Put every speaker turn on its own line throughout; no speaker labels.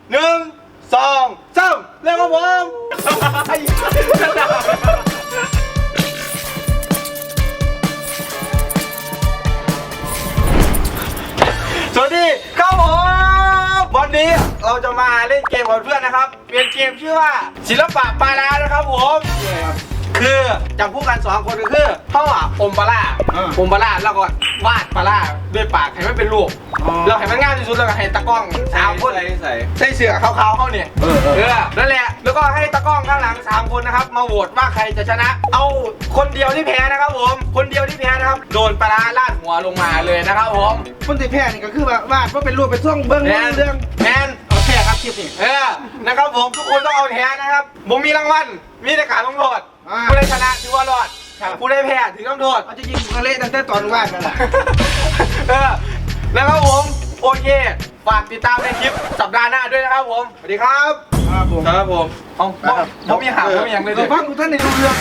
1 2 3เริ่มครับผมสวัสดีครับผมวันนี้เราจะมาเล่นเกมกับเพื่อนนะครับเป็นเกมชื่อว่าศิลปะปลาร้านะครับผมคือจับคู่กัน2คนก็คือเขาอมปลาร้าแล้วก็วาดปลาร้าด้วยปากให้มันเป็นรูปเราให้มันง่ายที่สุดแล้วก็ให้ตะกล้อง3คนใส่เสื้อขาวๆเขาเนี่ยนั่นแหละแล้วก็ให้ตะกล้องข้างหลัง3คนนะครับมาโหวตว่าใครจะชนะเอาคนเดียวที่แพ้นะครับผมคนเดียวที่แพ้นะครับโดนปลาร้าลาดหัวลงมาเลยนะครับผม
คนที่แพ้นี่ก็คือวาดว่าเป็นรูปเป็นช่วงเบื้องเรื่อง
แมนเอาแพ้ครับคลิปนี้นะครับผมทุกคนต้องเอาแพ้นะครับผมมีรางวัลมีแต่การลงโทษผู้ได้ชนะถือว่ารอดผู้ได้แพ้ถือต้องโทษ
เขาจะยิงกระเละตั้งแต่ตอนวาดนั่นแหละ
นะครับผมโอเคฝากติดตามในคลิปสัปดาห์หน้าด้วยนะครับผมสวัสดีครับครับผมเอาผมมีหางผมมีอย่างเลย
ฟังท่านในรู้เรื่อง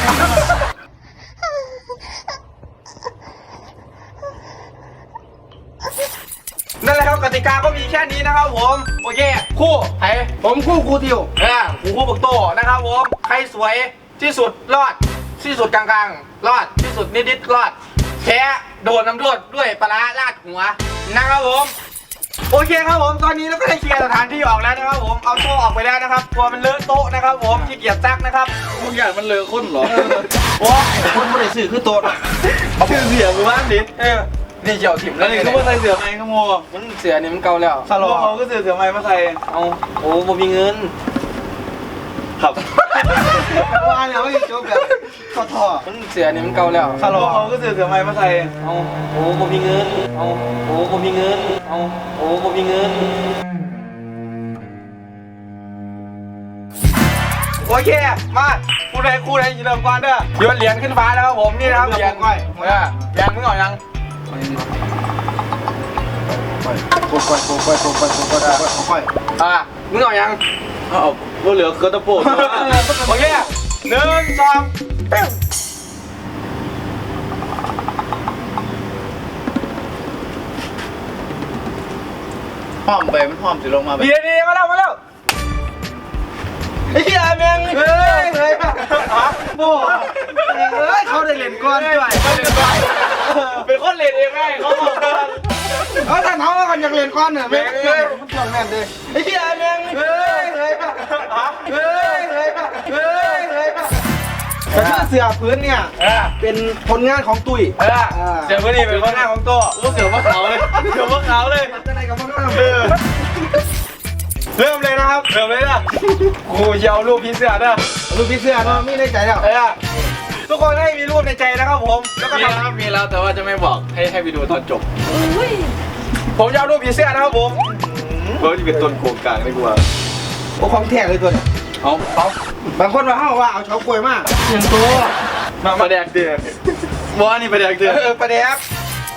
นั่นแหละครับกติกาก็มีแค่นี้นะครับผมโอเคคู่ไอ้
ผมคู่ทิว
คู่ปักโตนะครับผมใครสวยที่สุดรอดที่สุดกลางๆรอดที่สุดนิดๆรอดแพ้โดนน้ำโทษด้วยปลาร้าลาดหัวนะครับผมโอเคครับผมตอนนี้เราก็ได้เคลียร์สถานที่ออกแล้วนะครับผมเอาโต๊ะออกไปแล้วนะครับกลัวมันเลอะโต๊ะนะครับผมขี้เกียจซักนะครับ
มึงอยากมันเลอะข้นเหรอ
โอ้
คนไม่ได้สื่อคือโต๊ะ
ชื่อเสียมือบ้านดินี่เจียวถิ่ม
แล้วนี่เขาใส่เสือไหมขโมย
มันเสือนี่มันเก่าแล้ว
สโลเขาก็เสือไหมมาใส่
เอาโอ้ผมมีเงิน
ครับว่าเนี่ยไม่จบแบบท่อ
มันเสือนี่มันเก่าแล้ว
สโลเขาก็เสือไหมมาใส่
เอาโอ้ผมมีเงินเอาโอ้ผมมีเงินเอาโอ้ผมมีเงินโอเคมาคู่ใดเริ่มก่อนเด้อโยนเหรียญขึ้นฟ้าแล้วครับผมนี่นะครับเหรียญเหรียญมึงเอายัง
ค่อย
มึงเอายัง
เอาว่าเหลือเกินตะโพด
โอเค1 2
ห้อมไปมันห้อมสิลงมาไป
ดีมาแล้วไอ้เหี้ยแม่ง
เฮ้ยโบ้เขาได้เล่นก้อนด้วย
เป็นคนเล่นเองไงเขาบอก
ถ้าน้องกันอยากเล่นก้อนเนี่ยแม่งมันช่วงแม่นเลย
ไอ้เหี้ยแม่ง
แต่ถ้าเสือพื้นเนี่ยเป็นผลงานของตุ้ย
เสือพื้นนี่เป็นผลงานของตัวเสือมะขาวเลย
จะไหนกับมะขาว
เริ่มเลยนะครับเริ่มเลยนะกูจะเอารูปพี่เสือนะ
รูปพี่เสือเนาะมีในใจแล้ว
ทุกคนให้มีรูปในใจนะครับผม
แล้วก็มีแล้วแต่ว่าจะไม่บอกให้ไปดูตอนจบ
ผมจะเอารูปพี่เสือนะครับผม
เพราะจะเป็นต้นโครงกลางเลยกูว่าโอ้ของแท้เลยตัวเนี่ย
เอา
บางคนว่าเอาเฉากล้วยมาก
อย่างตัวมาแดกเดือดว่านี่มาแดกเดือด
ประแดก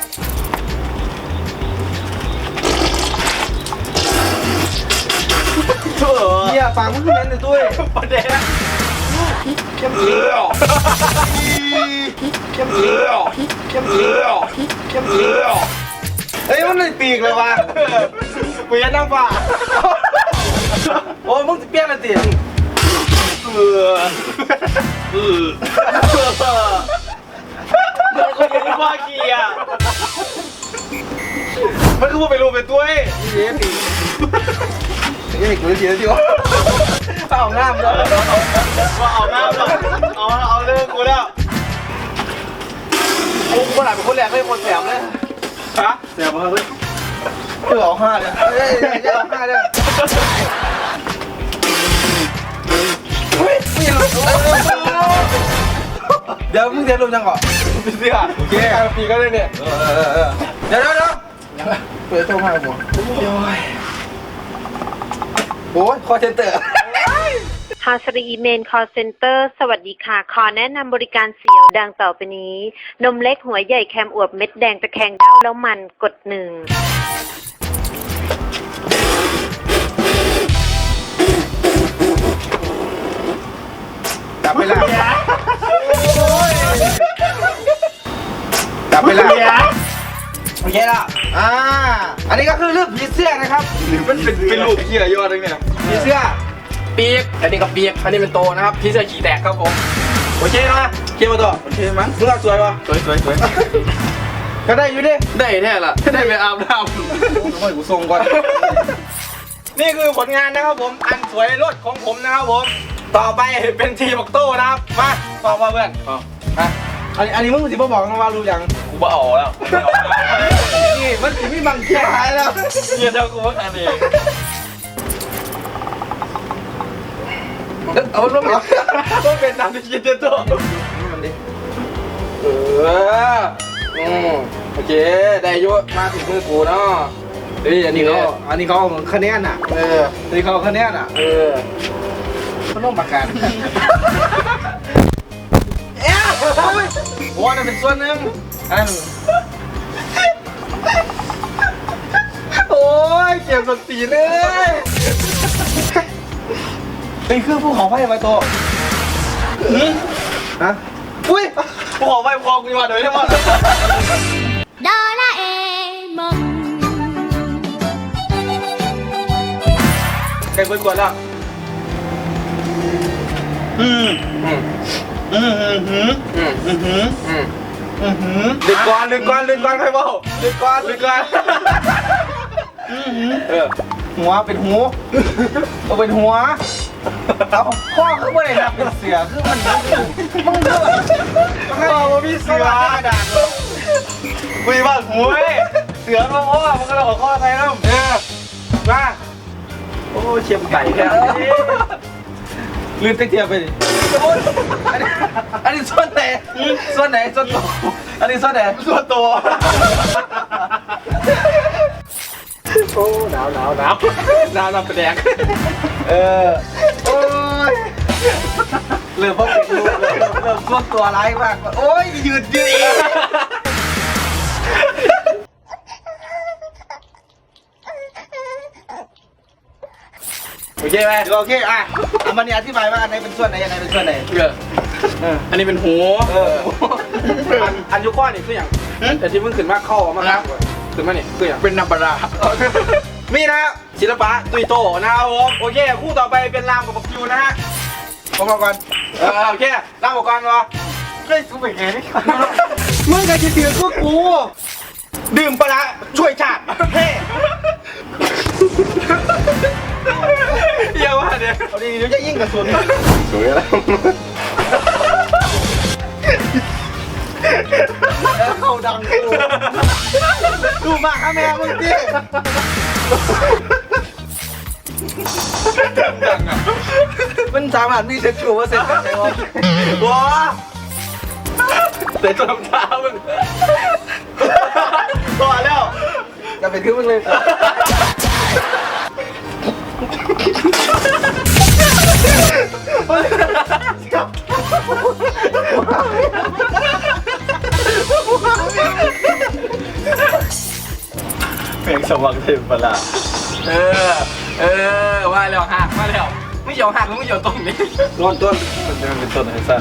เนี่ยฟังมึงขึ้นเลยตุ้ย
ประเด็น
เข้มอีเฮ้ยมันเลยปีกเลยว่ะ
กูยันนั่งฝ่า
โอ้มึงเปี้ยนอะไรติ
มันก็ยังว่าขี้อ่ะมันคือว่าไปรูปเป็นตัว
นี่กูเสียดิวเอาง่ามแล้ว
เอาง่ามเอาเรื่องกูแล้ว
กูขนาดเป็นคนแรกไม่คนแถมเลย
ฮะ
แถมมาเฮ้ยเอา5เลยจะเอา5เลยเดี๋ยวมึงเสียรูปยังก่อน
เสียโอเคปีก็เลยเนี่ย
เดี๋ยวเปิดโทรมาผมโอ้ยคอเซ็นเตอร์
ฮาสรีเมนคอเซ็นเตอร์สวัสดีค่ะขอแนะนำบริการเสียวดังต่อไปนี้นมเล็กหัวใหญ่แคมอวบเม็ดแดงตะแคงเด้าแล้วมันกด1
จับไปละโอเคละ
อันนี้ก็คือเลือกผีเสื้อนะครับมันเป็นรูปเหี้ยยอดเลยเนี่ยผีเสื้อปีกอันนี้ก็ปีกอันนี้เป็นโตนะครับผีเสื้อขี่แตกครับผมโอเคนะเกมมาต่อโอเคมั้งมึงเอาสวยวะสวยก็ได้อยู่ดิได้แท้ละได้ไปอาบน้ำโอ้ยกูส่งก่อนนี่คือผลงานนะครับผมอันสวยรถของผมนะครับผมต่อไปเป็นทีบักโต้นะครับมาต่อมาเพื่อนอันนี้มึงสิบ่บอกนะว่ารู้ยังกูบ่เอาแล้วนี่มันสิไม่บังเกียร์หายแล้วเกียร์เท่ากูว่ากันเองเอาลงมาต้องเป็นน้ำที่เกียร์ตัวโอเคได้ยุมาถึงมือกูเนาะอันนี้เขาคะแนนอ่ะอันนี้เขาคะแนนอ่ะเขาต้องประกันโอ้นั่นเป็นส่วนหนึ่งโอ้ยเก็บสติเลยนี่คือภูเขาไฟไวโตฮะอุ้ยภูเขาไฟพอกูมาเดี๋ยวได้หมด
โดราเอมอน
ใครเปิดก่อนแล้วลึกก่อนใครบอกลึกก่อนหัวเป็นหูเอาเป็นหัวเอาข้อคือว่าอะไรนะเป็นเสือคือมันมึงเถอะข้อว่าพี่เสือกระดาษคุยบ้านหูเสือมาพ่อมันก็เลยขอข้อไทยแล้วมาโอ้เชียมไก่แค่ลื่นเตี้ยไปดิอันนี้ส่วนไหนส่วนโตอันนี้ส่วนไหนส่วนโตโอ้หนาวเป็นแดงโอ้ยเริ่มพบเป็นรูปเริ่มส่วนตัวร้ายมากโอ้ยยืดเองโอเคไหมโอเคอ่ะมันนี่อธิบายว่าอันไหนเป็นส่วนไหนยังไงเป็นส่วนไหนอันนี้เป็นหูอันยุก้อนนี่คืออย่างแต่ที่เพิ่งขึ้นมาเข้ามาครับขึ้นมาเนี่ยคืออย่างเป็นนับบารามีนะศิลปะตุยโตนะครับผมโอเคคู่ต่อไปเป็นรามกับบักคิวนะฮะผมมาก่อนโอเครามกับก่อนวะเฮ้ยกูเป็นไงนี่มึงกับจะเถื่อนพวกกูดื่มปลาช่วยชาติเฮ้เยี่ยมว่าเนี่ยเอาดีเดี๋ยวจะยิ่งกระสุนสวยแล้วเขาดังกูดูมากครับแม่มึงดิดังอ่ะมันสามารถมีเซ็ตชูว่าเซ็ตกันได้ว้าเซ็ตจนเท้ามึงตัวแล้วจะเป็นคือมึงเลยเพลงสว่างเทมปลาว่าแล้วหักมาแล้วไม่เกี่ยวหักไม่เกี่ยวต้นนี้ต้นมันจะเป็นต้นอะไรซะ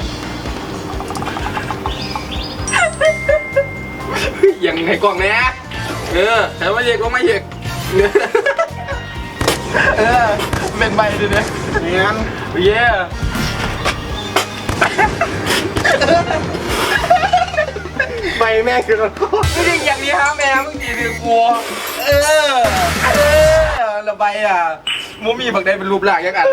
ยังไงกล่องเนี้ยแต่ว่าเยกก็ไม่เยกเป็นใบดิเนี่ยงั้นเย่ใบแม่คือไม่ใช่อย่างนี้ครับแม่มึงดีดื้อกลัวระบายอ่ะมูมีบางใดเป็นรูปหลักยังกัน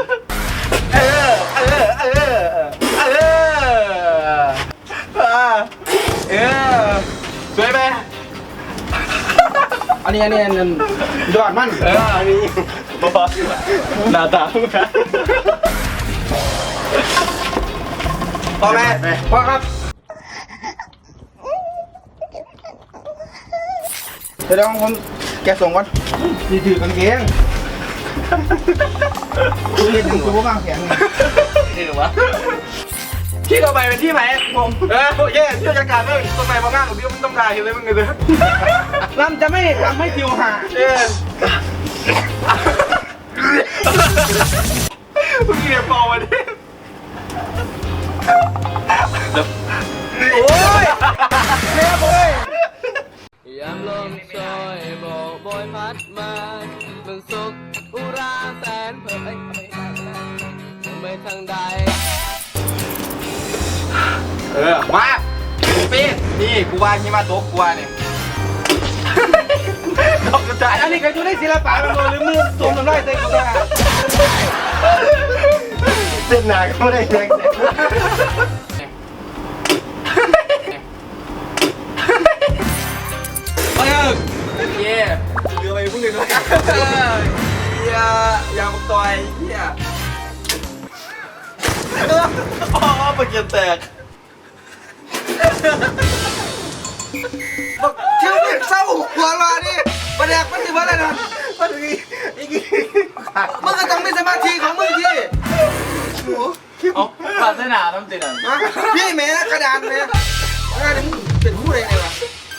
สวยไหมอันนี้ยอดมันอันนี้หน้าตาพอไหมพอครับเดี๋ยวผมแกส่งก่อนถือกางเกงกูเห็นถึงกูบ้างแขนนี่หรือวะที่ต่อไปเป็นที่ไหนผมโอเคที่จะการเรื่องต้นไม้บางงานของพี่มันต้องการเห็นเลยมึงเลยน้ำจะไม่ทำให้ผิวหามึงเรียบพอวันนี้โอ้ยเรียบเลยยามลมซอยบอกบอยพัด
ทางใด
มาปีนนี่กูว่าหิมะตกกูว่าเนี่ยตกกระจาย
อันนี้ก็อยู่ในศิลปะมันหรือมือสวมน้ำลายใส่กูได้เส้นหนาก็ไม่ได้แรง
เย่เรือไปพุ่งเลยด้วยอย่ามาต่อยเฮียอ๋อปากเกียร์แตก
เที่ยวเด็กเศร้าหัวมาดิประเด็กมันสิว่าอะไรนะมันก็ต้องมีสมาธิของมึงที่
เอาปาสนาต้องติดอ่ะ
พี่แม่กระดานแม่กระดานมึงเป็นผู้ใดไงวะ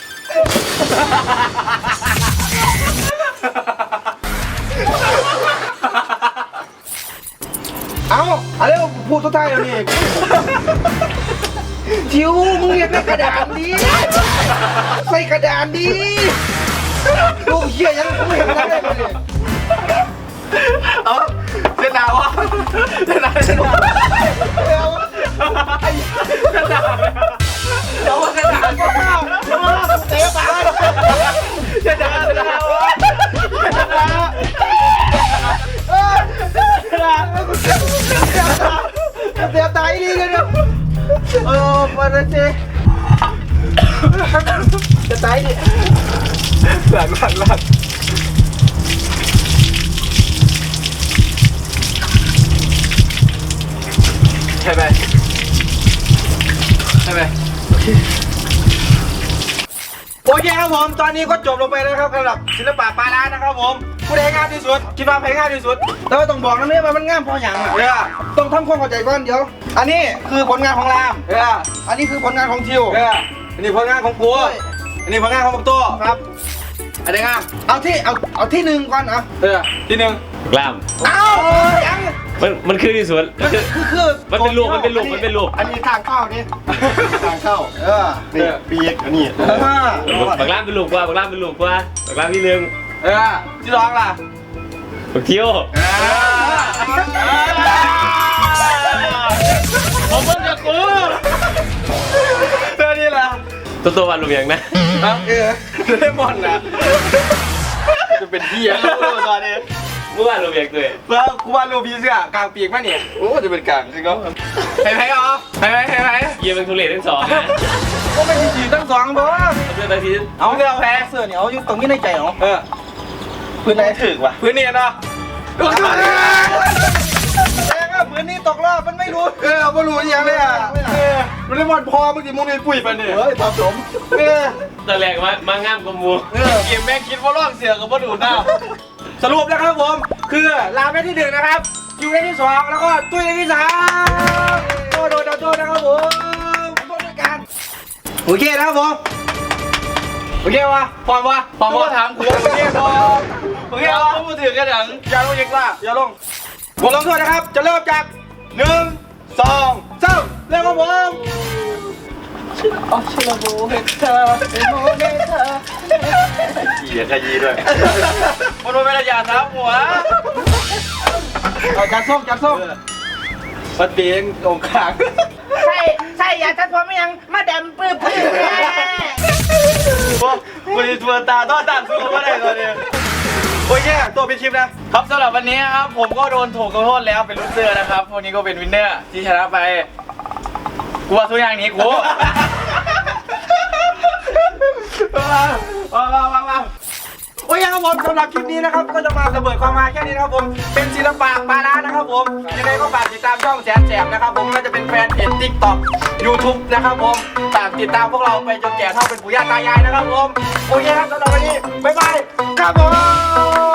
เอาอะไรพูดสุดท้ายแล้วนี่ทิวมึงเรียกกระดานดิใส่กระดานดิลูกเหี้ยยังไม่เห็นอะไรเลย
เอาเส้นดาวะเส้นดาวเส้นดาวเดี๋ยวเส้นดาวเดี๋ยวเส้นดาวเตะปากเส้นดาวเส้นดาว
เสียตายดีกันเนี่ยมาเลยเจจะตายดิ
หลังใช่ไหมโอเคครับผมตอนนี้ก็จบลงไปแล้วครับสำหรับศิลปะปาร้านะครับผมผู้ใดงามที่สุดคิดว่าใครงามที่สุด
แต่ว่าต้องบอกนะเนี่ยมันง่ามพออย่างอ่ะ
เออ
ต้องทำความเข้าใจก่อนเดี๋ยว อันนี้คือผลงานของราม
เออ
อันนี้คือผลงานของทิว
เอออันนี้ผลงานของกูอันนี้ผลงานของบักโต้
ครับ
อันนี้งาม
เอาที่หนึ่งก่อนอ่ะ
เออที่หนึ่ง
กล้าม
เอายัง
มันคือที่สุด
คือ
มันเป็นรูป
อันนี้ทางเข้านี่ทางเข้านี่ปีกอันนี้
บักล้ามเป็นรูปกว่าบักล้ามที่หนึ่ง
เออที่ร้องล่ะ
บักเที่ยว
ผมเพิ่งจะกูเธอนี่ล่ะ
ตัววันรูปอย่างนะ
เลมอนนะจะเป็นเหี้ยตอนนี้
เมื่อวานรูปอย่างตัว
เมื่อกูวาดรูปพี่เสื้อกลางปีกป่ะเนี่ยโอ้จะเป็นกลางจริงก็เห็นไหมอ๋อเห็นไหม
เยี่ยมเป็นทุเรศทั้งสองนะ
ก็ไม่ดีทั้งสองบ่
เพื่อนตาที
เอาเรือแพ้
เสื้อเนี่ยเอาอยู่ตรงนี้ในใจเหรอ พื้นไหนถึกวะ
พื้นเนียนเนาะ
แสดงว่าพื้นนี้ตกรอบมันไม่รู้
ไม่รู้อย่างเลยอ่ะมันเลมอนพอเมื่อกี้มึงเลยปุ๋ยไปเนี่ย
เฮ้ยผสม
ตอนแรกมางามกมู
เกมแม่งคิดว่าล่องเสือกับว่าดูดหน้าสรุปนะครับผมคือลาเมที่หนึ่งนะครับคิวได้ที่สองแล้วก็ตุ้ยได้ที่สามโดนนะครับผมโดนด้วยกันโอเคนะครับผมโอเควะพร้อมว่าถามกูโอเคพร้อมโอเควะพูดถึงกันอย่างอย่าลงอีกว่าอย่าลงบทลงโทษนะครับจะเริ่มจาก1 2 3เริ่มครับผม
เหี้ยขยี้ด้วย
มันเป็นระยะทับหัว
จัดส้ม
มาเตียงตรงกลาง
ใช่อย่าทัดผมยังมาดำปื้อ
วันนี้ตัวตาต้อตามสู้เขาไม่ได้ตอนนี้โอเคตัวเป็นคลิปนะครับสำหรับวันนี้ครับผมก็โดนถูกโทษแล้วเป็นลูกเสือนะครับวันนี้ก็เป็นวินเนอร์ที่ชนะไปกูว่าทุกอย่างนี้กูมาโอ้ยครับผมสำหรับคลิปนี้นะครับก็จะมาระเบิดความฮาแค่นี้นะครับผมเป็นศิลปะปาร้านะครับผมยังไงก็ฝากติดตามช่องแสนแสบนะครับผมก็จะเป็นแฟนเพจ TikTok YouTube นะครับผมฝากติดตามพวกเราไปจนแก่เท่าเป็นปู่ย่าตายายนะครับผมโอเคครับสำหรับวันนี้บ๊ายบายครับผม